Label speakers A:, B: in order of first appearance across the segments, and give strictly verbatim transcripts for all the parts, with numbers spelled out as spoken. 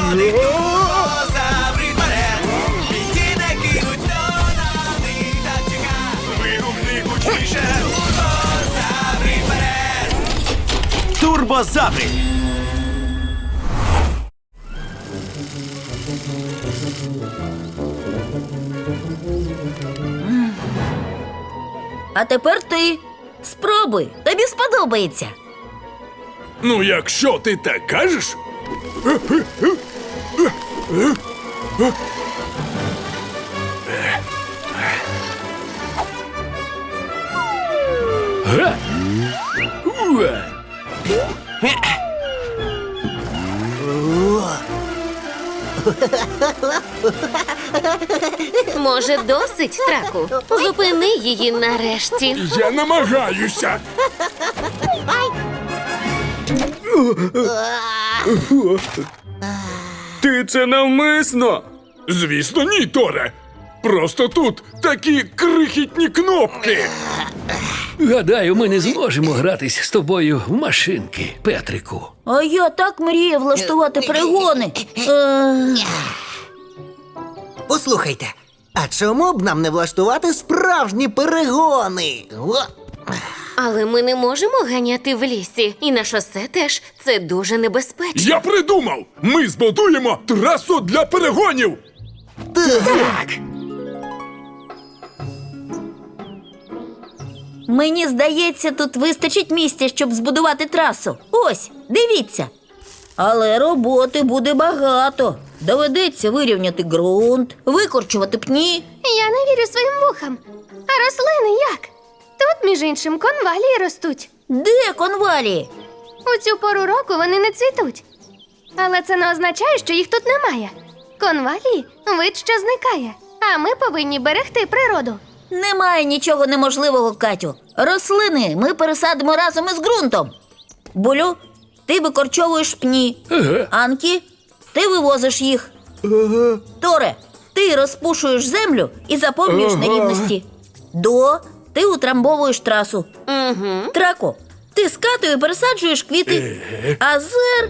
A: ходить турбозаври вперед. Бійці не кинуть, хто на них так чека. Вигукни гучніше, турбозаври вперед. Турбозаври.
B: А тепер ти. Спробуй, тобі сподобається.
C: Ну, якщо ти так кажеш.
D: Може, досить, Траку? Зупини її нарешті.
C: Я намагаюся.
E: Ти це навмисно?
C: Звісно, ні, Торе. Просто тут такі крихітні кнопки.
F: Гадаю, ми не зможемо гратись з тобою в машинки, Петрику.
B: А я так мріяв влаштувати перегони. Е,
G: Послухайте, а чому б нам не влаштувати справжні перегони? О!
D: Але ми не можемо ганяти в лісі. І на шосе теж. Це дуже небезпечно.
C: Я придумав! Ми збудуємо трасу для перегонів!
G: Так!
B: Мені здається, тут вистачить місця, щоб збудувати трасу. Ось, дивіться. Але роботи буде багато. Доведеться вирівняти ґрунт, викорчувати пні.
H: Я не вірю своїм вухам. А рослини як? Тут, між іншим, конвалії ростуть.
B: Де конвалії?
H: У цю пору року вони не цвітуть. Але це не означає, що їх тут немає. Конвалії – вид, що зникає. А ми повинні берегти природу.
B: Немає нічого неможливого, Катю. Рослини ми пересадимо разом із ґрунтом. Булю, ти викорчовуєш пні.
F: Ага.
B: Анкі, ти вивозиш їх. Ага. Торе, ти розпушуєш землю і заповнюєш
E: Ага.
B: нерівності. До, ти утрамбовуєш трасу.
D: Угу.
B: Трако, ти з Катою пересаджуєш квіти. А Зер...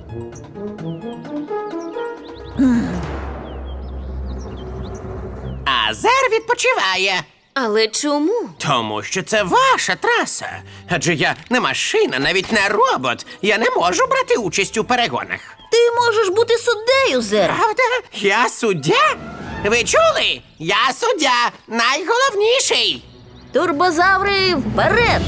A: А Зер відпочиває.
D: Але чому?
A: Тому що це ваша траса. Адже я не машина, навіть не робот. Я не можу брати участь у перегонах.
B: Ти можеш бути суддею, Зер.
A: Правда? Я суддя? Ви чули? Я суддя, найголовніший.
B: Турбозаври вперед!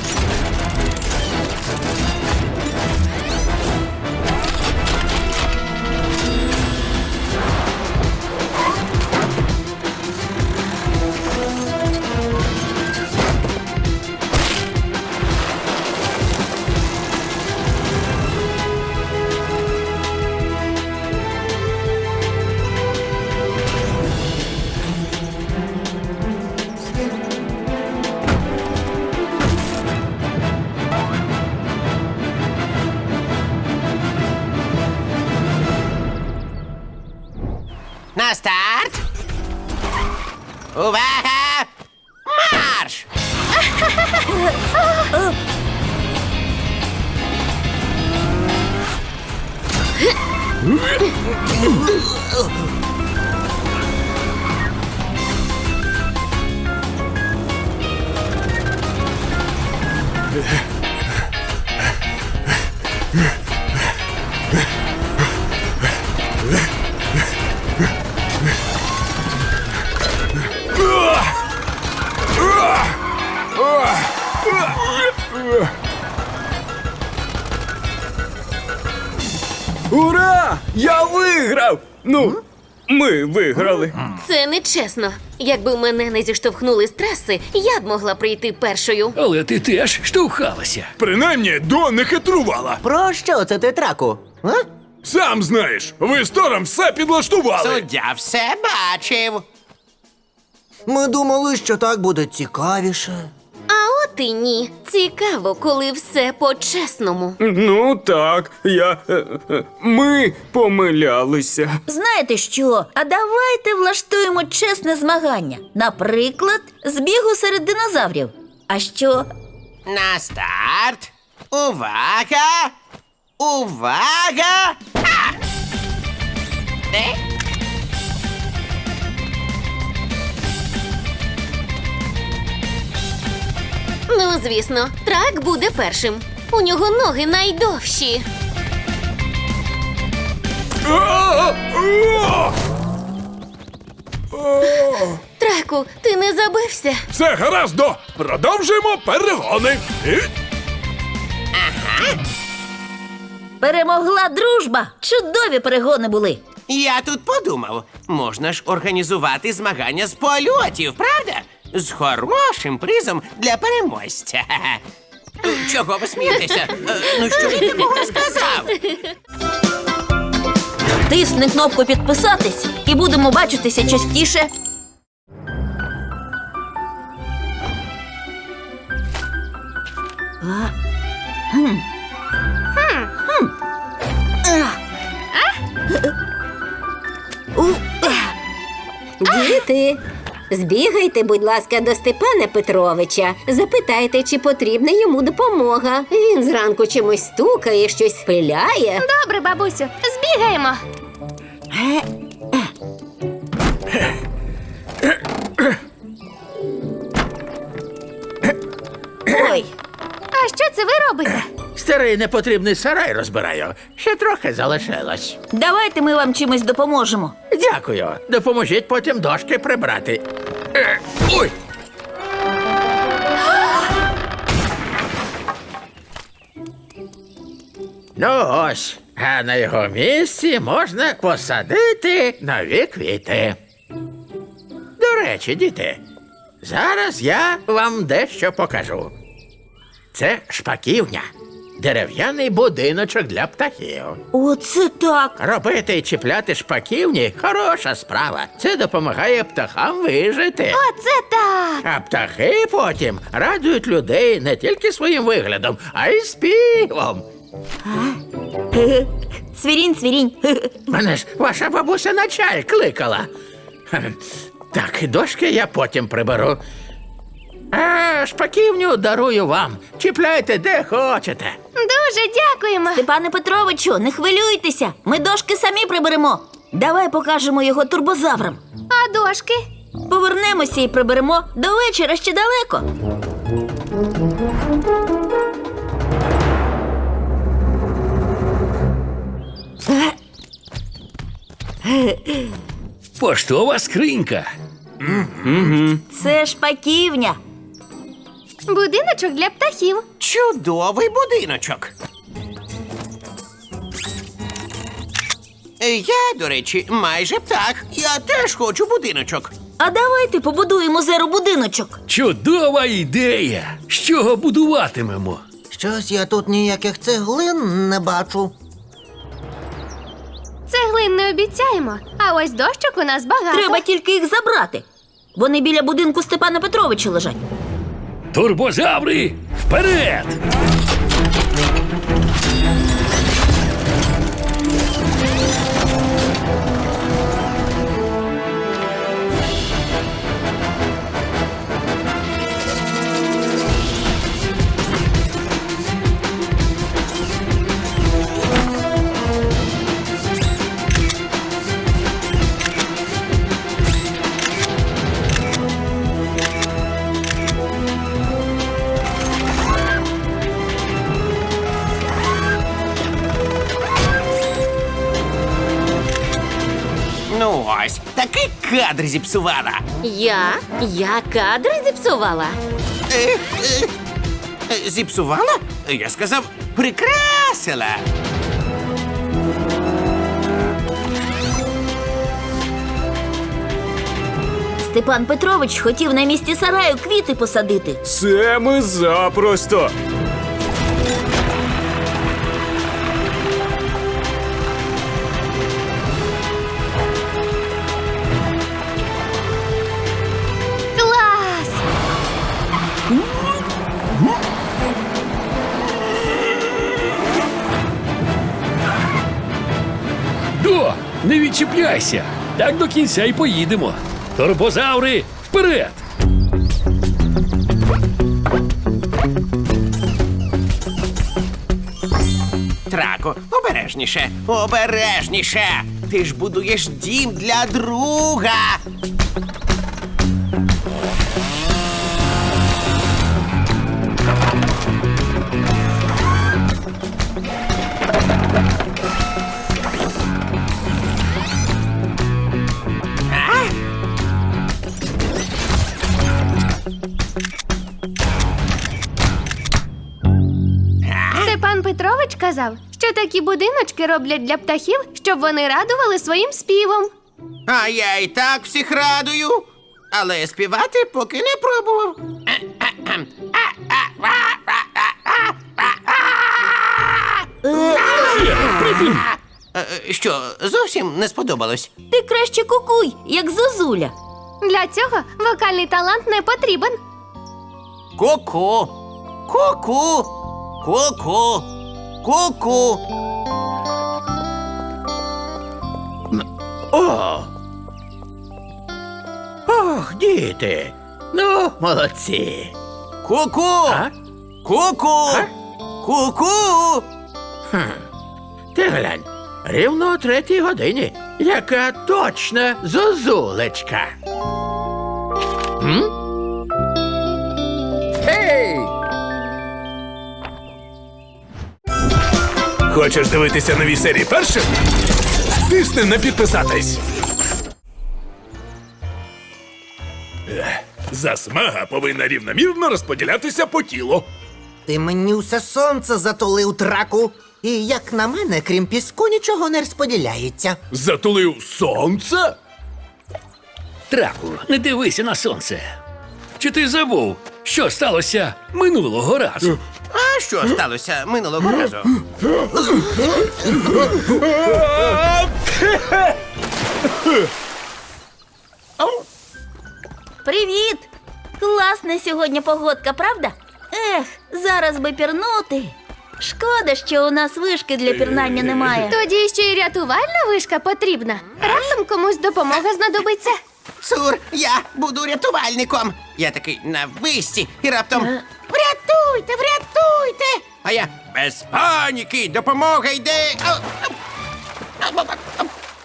A: На старт. Увага! Марш!
E: Ура! Я виграв! Ну, ми виграли.
D: Це нечесно. Якби мене не зіштовхнули з траси, я б могла прийти першою.
F: Але ти теж штовхалася.
C: Принаймні, До не хитрувала.
G: Про що це ти, Траку? А?
C: Сам знаєш, ви з Тором все підлаштували.
A: Суддя все бачив.
G: Ми думали, що так буде цікавіше.
D: А от і ні. Цікаво, коли все по-чесному.
E: Ну так, я. е, е, Ми помилялися.
B: Знаєте що? А давайте влаштуємо чесне змагання. Наприклад, збігу серед динозаврів. А що?
A: На старт. Увага! Увага! А! Е?
D: Ну, звісно, трак буде першим. У нього ноги найдовші.
C: А! А!
D: Траку, ти не забився?
C: Все гараздо! Продовжуємо перегони! І...
B: Перемогла дружба! Чудові перегони були!
A: Я тут подумав, можна ж організувати змагання з польотів, правда? З хорошим призом для переможця. Чого ви смієтеся? Е, Ну що я такого сказав?
B: Тисни кнопку підписатись і будемо бачитися частіше. А, хм. Хм. А. У, а.
I: Діти, збігайте, будь ласка, до Степана Петровича. Запитайте, чи потрібна йому допомога. Він зранку чимось стукає, щось пиляє.
H: Добре, бабусю, збігаємо.
B: Ой,
H: А що це ви робите?
J: Старий непотрібний сарай розбираю. Ще трохи залишилось.
B: давайте ми вам чимось допоможемо.
J: Дякую. Допоможіть потім дошки прибрати. Е, ой! Ну ось, а на його місці можна посадити нові квіти. До речі, діти, зараз я вам дещо покажу. Це шпаківня. Дерев'яний будиночок для птахів.
B: Оце так.
J: Робити і чіпляти шпаківні – хороша справа. Це допомагає птахам вижити.
H: Оце так!
J: А птахи потім радують людей не тільки своїм виглядом, а й співом.
B: Цвірінь, цвірінь.
J: Мене ж ваша бабуся на чай кликала. Хе, Так, дошки я потім приберу. А шпаківню дарую вам. Чіпляйте де хочете.
H: Дуже дякуємо.
B: Степане Петровичу, не хвилюйтеся. Ми дошки самі приберемо. Давай покажемо його турбозаврам.
H: А дошки?
B: Повернемося і приберемо. До вечора ще далеко.
F: Поштова скринька.
B: Це шпаківня.
H: Будиночок для птахів.
A: Чудовий будиночок. Е, Я, до речі, майже птах. Я теж хочу будиночок.
B: А давайте побудуємо зеро-будиночок.
F: Чудова ідея. З чого будуватимемо?
G: Щось я тут ніяких цеглин не бачу.
H: Цеглин не обіцяємо, а ось дощок у нас багато.
B: Треба тільки їх забрати. Вони біля будинку Степана Петровича лежать.
F: Турбозаври, вперед!
A: Ну ось, такий кадр зіпсувала.
D: Я? Я кадри зіпсувала.
A: Е, е, е, Зіпсувала? Я сказав, прикрасила.
B: Степан Петрович хотів на місці сараю квіти посадити.
E: Це ми запросто.
H: Клас!
F: До, не відчіпляйся. Так до кінця й поїдемо. Турбозаври, вперед!
A: Трако, обережніше, обережніше. ти ж будуєш дім для друга.
H: Степан Петрович казав, що такі будиночки роблять для птахів, щоб вони радували своїм співом.
A: А я і так всіх радую. Але співати поки не пробував. Е, Що, зовсім не сподобалось?
B: Ти краще кукуй, як зозуля.
H: Для цього вокальний талант не потрібен.
A: Ку-ку, ку-ку, ку-ку, ку-ку.
J: О! Ох, діти! Ну, молодці!
A: Ку-ку,
J: А?
A: ку-ку,
J: А?
A: ку-ку.
J: Ти глянь, рівно о третій годині. Яка точна зозулечка. М? Ей!
C: Хочеш дивитися нові серії першим? Тисни на підписатись. Ех, Засмага повинна рівномірно розподілятися по тілу.
G: Ти мені усе сонце затулив, траку. І як на мене, крім піску, нічого не розподіляється.
C: Затулив сонце?
F: Траку, не дивися на сонце. Чи ти забув, що сталося минулого разу?
A: А що сталося минулого разу?
B: Привіт! Класна сьогодні погодка, правда? Ех, зараз би пірнути. Шкода, що у нас вишки для пірнання немає.
H: Тоді ще й рятувальна вишка потрібна. Раптом комусь допомога знадобиться.
A: Цур, я буду рятувальником. Я такий на висці і раптом врятуйте, врятуйте. А я без паніки, допомога йде. А, а, а, а,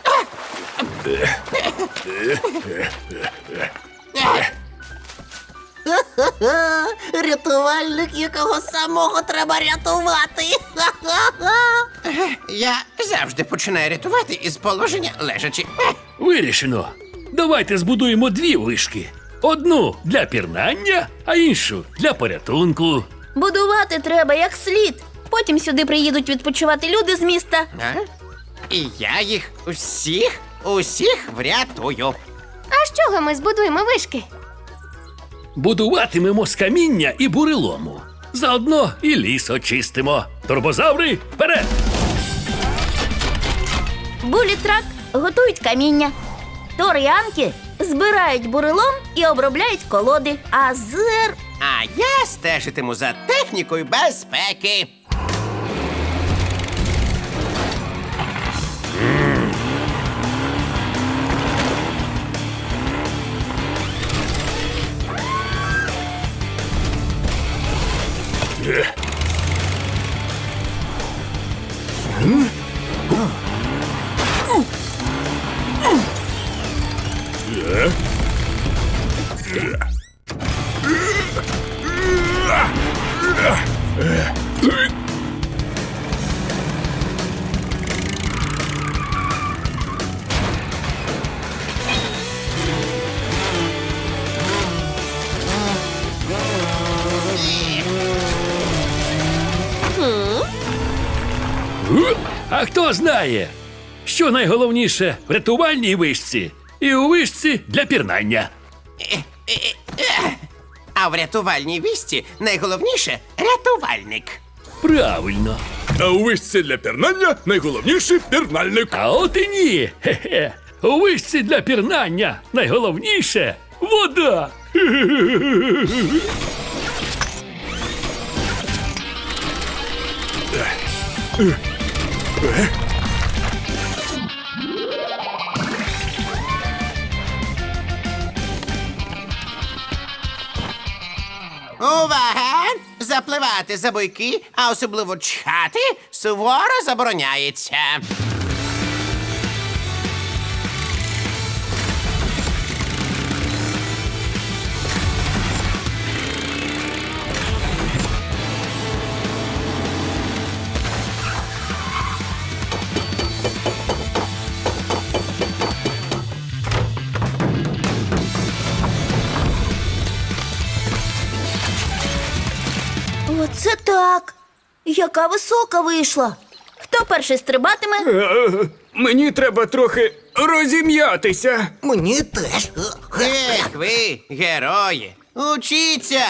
A: а.
G: Ха-ха, рятувальник, якого самого треба рятувати. Ха-ха-ха.
A: Я завжди починаю рятувати із положення лежачи.
F: Вирішено. Давайте збудуємо дві вишки. Одну для пірнання, а іншу для порятунку.
B: Будувати треба як слід. Потім сюди приїдуть відпочивати люди з міста.
A: А? І я їх усіх, усіх врятую.
H: А з чого ми збудуємо вишки?
F: Будуватимемо з каміння і бурелому. Заодно і ліс очистимо. Турбозаври, вперед!
B: Булітрак готують каміння. Тор і Анкі збирають бурелом і обробляють колоди. А Зер...
A: А я стежитиму за технікою безпеки.
F: А хто знає, що найголовніше в рятувальній вишці і у вишці для пірнання?
A: А в рятувальній вісті найголовніше рятувальник.
F: Правильно.
C: А у вишці для пірнання найголовніший пірнальник.
F: А от і ні. Хе-хе. У вишці для пірнання найголовніше вода.
A: Увага! Запливати за буйки, а особливо чхати, суворо забороняється.
B: Так, яка висока вийшла. Хто перший стрибатиме?
E: Е, Мені треба трохи розім'ятися.
G: Мені теж.
A: Ех, ви, герої, учіться!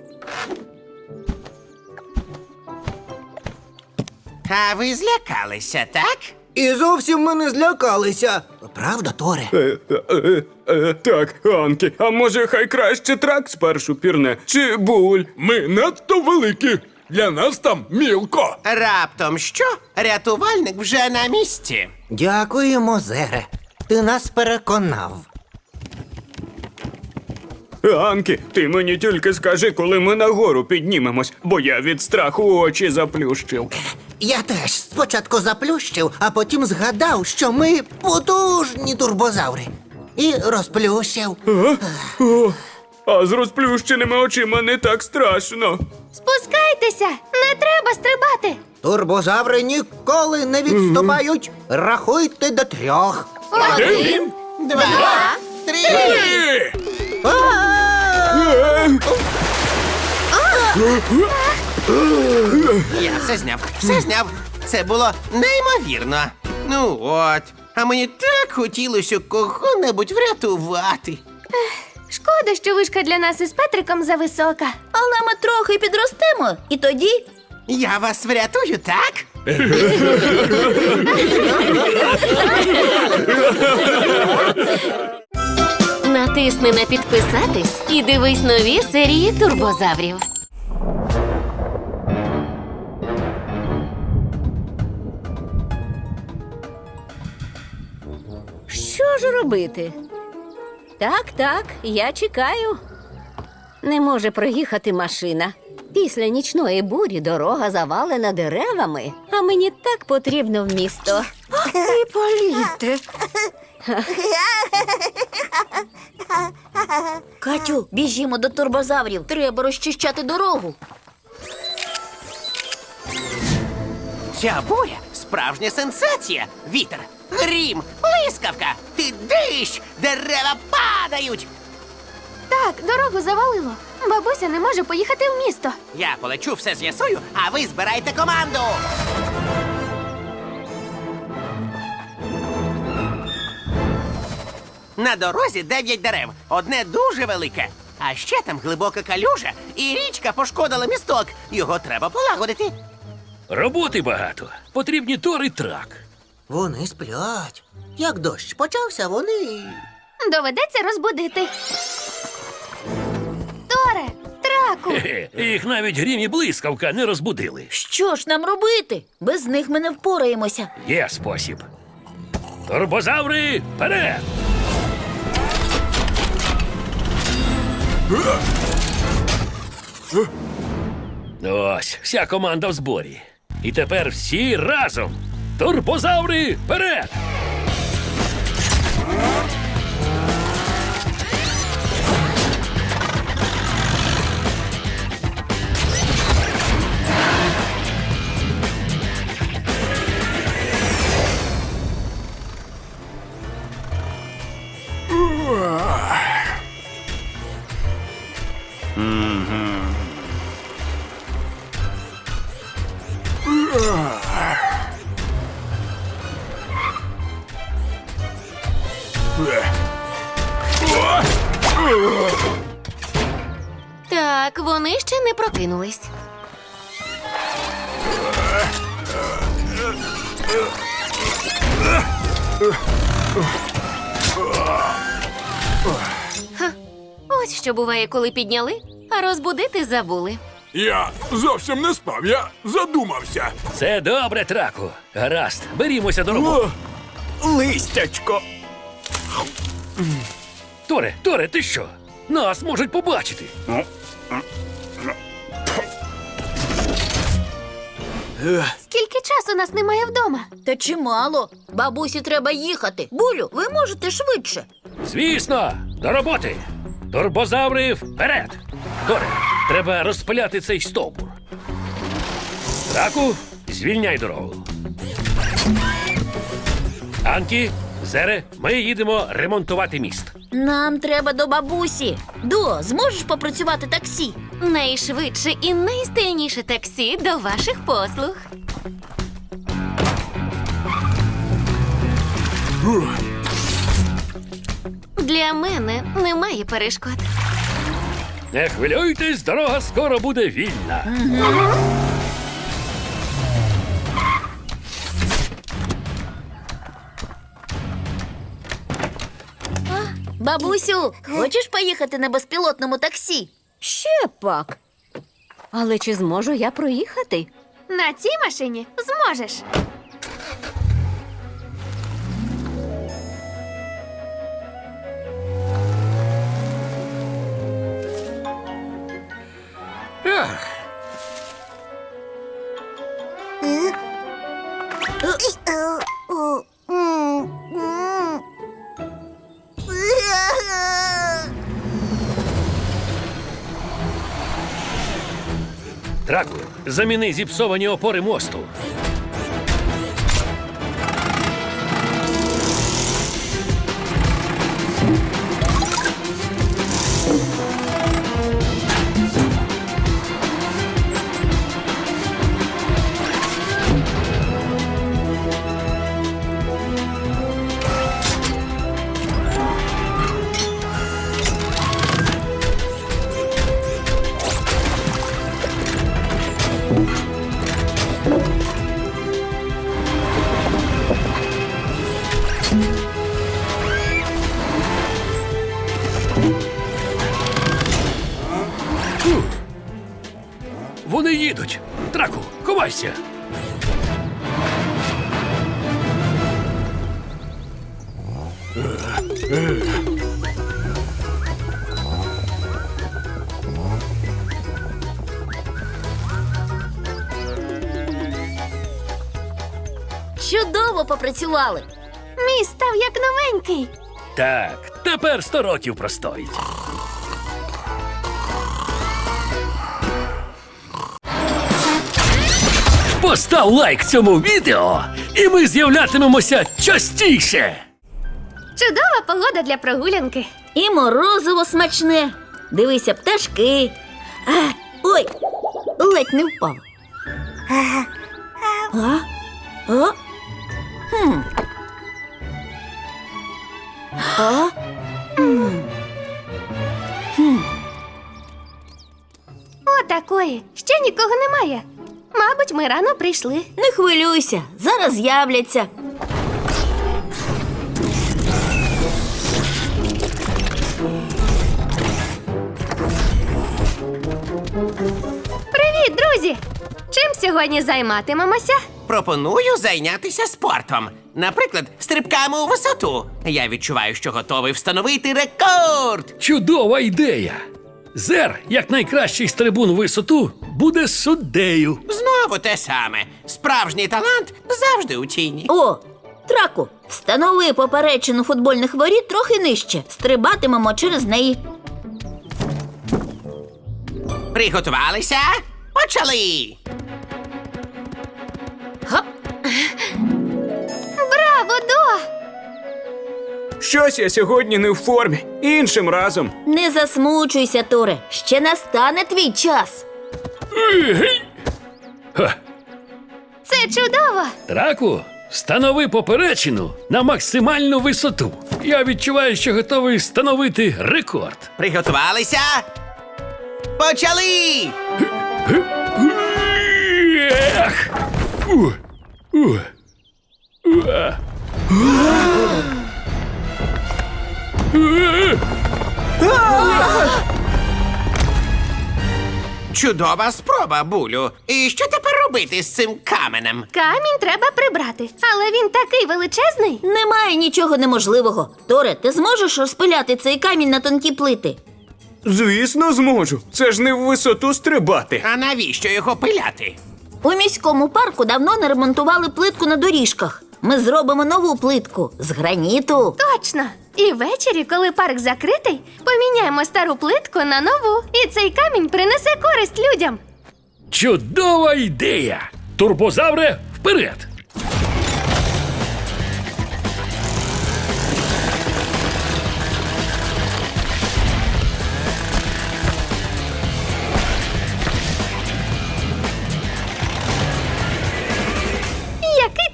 A: А ви злякалися, так?
G: І зовсім ми не злякалися. Правда, Торе?
E: Е, е, е, Так, Анкі, а може хай краще трак спершу пірне? Чи буль?
C: Ми надто великі. Для нас там мілко.
A: Раптом що? Рятувальник вже на місці.
G: Дякуємо, Зере. Ти нас переконав.
E: Анкі, ти мені тільки скажи, коли ми нагору піднімемось, бо я від страху очі заплющив.
G: Я теж спочатку заплющив, а потім згадав, що ми потужні турбозаври. І розплющив.
E: О, а з розплющеними очима не так страшно.
H: Спускайтеся! Не треба стрибати!
G: Турбозаври ніколи не відступають. Рахуйте до трьох.
H: Один!
A: Два, три.
C: Е,
A: Я все зняв, все зняв. Це було неймовірно. Ну от, а мені так хотілося кого-небудь врятувати.
H: Шкода, що вишка для нас із Петриком зависока.
B: Але ми трохи підростемо, і тоді.
A: Я вас врятую, так?
D: Натисни на підписатись і дивись нові серії турбозаврів.
I: Що ж робити? Так, так, я чекаю. Не може проїхати машина. Після нічної бурі дорога завалена деревами, а мені так потрібно в місто.
B: І політи. Катю, біжімо до турбозаврів. Треба розчищати дорогу.
A: Ця буря – справжня сенсація. Вітер, грім, блискавка, ти дощ, дерева падають.
H: Так, дорогу завалило. Бабуся не може поїхати в місто.
A: Я полечу, все з'ясую, а ви збирайте команду. На дорозі дев'ять дерев, одне дуже велике. А ще там глибока калюжа, і річка пошкодила місток. Його треба полагодити.
F: Роботи багато. Потрібні тор і трак.
G: Вони сплять. Як дощ почався, вони.
H: Доведеться розбудити. Торе, траку!
F: Хе-хе, їх навіть грім і блискавка не розбудили.
B: Що ж нам робити? Без них ми не впораємося.
F: Є спосіб. Турбозаври, вперед! Ось, вся команда в зборі. І тепер всі разом. Турбозаври, вперед!
D: Так, вони ще не прокинулись. Ха, ось що буває, коли підняли, а розбудити забули.
C: Я зовсім не спав, я задумався.
F: Це добре, траку. Гаразд, берімося до роботи.
E: Листячко.
F: Торе, Торе, ти що? Нас можуть побачити.
H: Скільки часу нас немає вдома?
B: Та чимало. Бабусі треба їхати. Булю, ви можете швидше.
F: Звісно, до роботи. Турбозаври, вперед! Торе, треба розпиляти цей стовбур. Траку, звільняй дорогу. Анкі, Зере, ми їдемо ремонтувати міст.
B: Нам треба до бабусі. До, зможеш попрацювати таксі?
D: Найшвидше і найстильніше таксі до ваших послуг. Для мене немає перешкод.
F: Не хвилюйтесь, дорога скоро буде вільна.
B: Бабусю, хочеш поїхати на безпілотному таксі?
I: Ще пак. Але чи зможу я проїхати?
H: На цій машині зможеш.
F: Траку, заміни зіпсовані опори мосту. Вони їдуть. Траку, ховайся.
B: Чудово попрацювали.
H: Мій став як новенький.
F: Так, тепер сто років простоїть. Постав лайк цьому відео, і ми з'являтимемося частіше.
H: Чудова погода для прогулянки.
B: І морозиво смачне. Дивися, пташки. А, ой, ледь не впав. А? А? Хм. А? Хм. Хм.
H: Отакої. Ще нікого немає. Мабуть, ми рано прийшли.
B: Не хвилюйся, зараз з'являться.
H: Привіт, друзі! Чим сьогодні займатимемося?
A: Пропоную зайнятися спортом. Наприклад, стрибками у висоту. Я відчуваю, що готовий встановити рекорд.
F: Чудова ідея. Зер, як найкращий стрибун у висоту, буде суддею.
A: Знову те саме. Справжній талант завжди у тіні.
B: О, Траку, встанови поперечину футбольних воріт трохи нижче. Стрибатимемо через неї.
A: Приготувалися? Почали!
H: Браво, До!
E: Щось я сьогодні не в формі. Іншим разом.
B: Не засмучуйся, Торе. Ще настане твій час.
F: Ха.
H: Це чудово!
F: Траку, встанови поперечину на максимальну висоту. Я відчуваю, що готовий встановити рекорд.
A: Приготувалися? Почали!
F: Ех! Ух! Ух! Уа!
A: Чудова спроба, Булю. І що тепер робити з цим каменем?
H: Камінь треба прибрати, але він такий величезний.
B: Немає нічого неможливого. Торе, ти зможеш розпиляти цей камінь на тонкі плити?
E: Звісно, зможу. Це ж не в висоту стрибати.
A: А навіщо його пиляти?
B: У міському парку давно не ремонтували плитку на доріжках. Ми зробимо нову плитку з граніту.
H: Точно! І ввечері, коли парк закритий, поміняємо стару плитку на нову. І цей камінь принесе користь людям.
F: Чудова ідея! Турбозавре, вперед!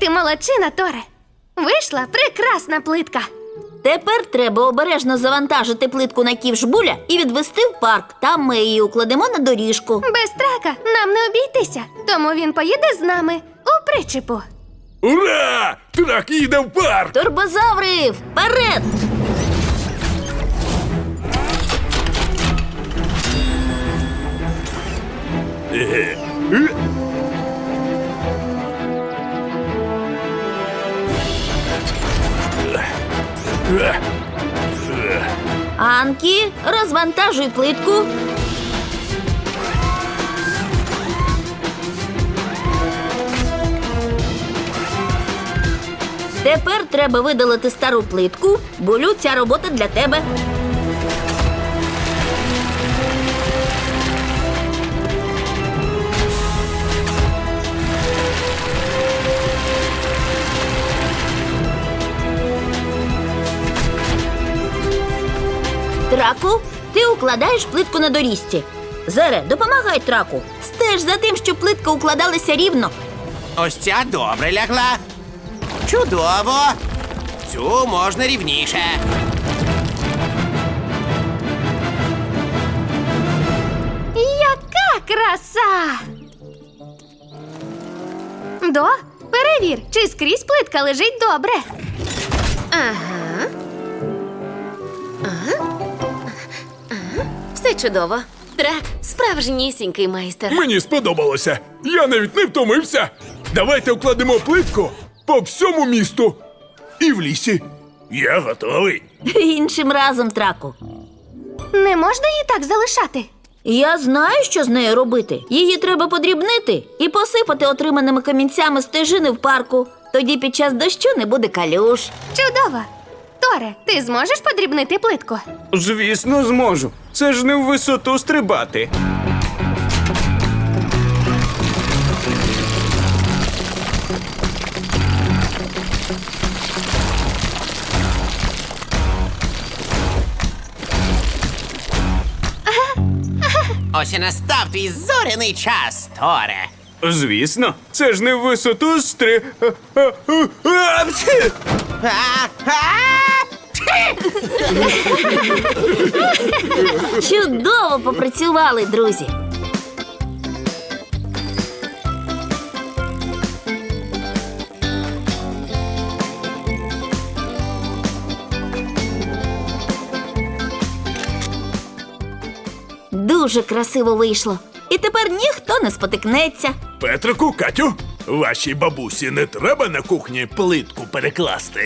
H: ти молодчина, Торе. Вийшла прекрасна плитка.
B: Тепер треба обережно завантажити плитку на ківш Буля і відвести в парк. Там ми її укладемо на доріжку.
H: Без трака нам не обійтися, тому він поїде з нами у причепу.
C: Ура! Трак їде в парк!
B: Турбозаври, вперед! Анкі, розвантажуй плитку. Тепер треба видалити стару плитку. Булю, ця робота для тебе. Траку, ти укладаєш плитку на доріжці. Зере, допомагай траку. Стеж за тим, щоб плитка укладалася рівно.
A: Ось ця добре лягла. Чудово. Цю можна рівніше.
H: Яка краса! До, перевір, чи скрізь плитка лежить добре.
D: Ага. Ага. Ага. Все чудово. Трак справжнісінький майстер.
C: Мені сподобалося. Я навіть не втомився. Давайте укладемо плитку по всьому місту. І в лісі. Я готовий.
B: Іншим разом, траку.
H: Не можна її так залишати.
B: Я знаю, що з нею робити. Її треба подрібнити і посипати отриманими камінцями стежини в парку. Тоді під час дощу не буде калюш.
H: Чудово. Торе, ти зможеш подрібнити плитку?
E: Звісно, зможу. Це ж не в висоту стрибати.
A: Ось і настав твій зоряний час, Торе.
E: Звісно, це ж не в висоту стри... А, а, а, пфі!
A: А, а!
B: Чудово попрацювали, друзі. Дуже красиво вийшло. І тепер ніхто не спотикнеться.
C: Петрику, Катю, вашій бабусі не треба на кухні плитку перекласти.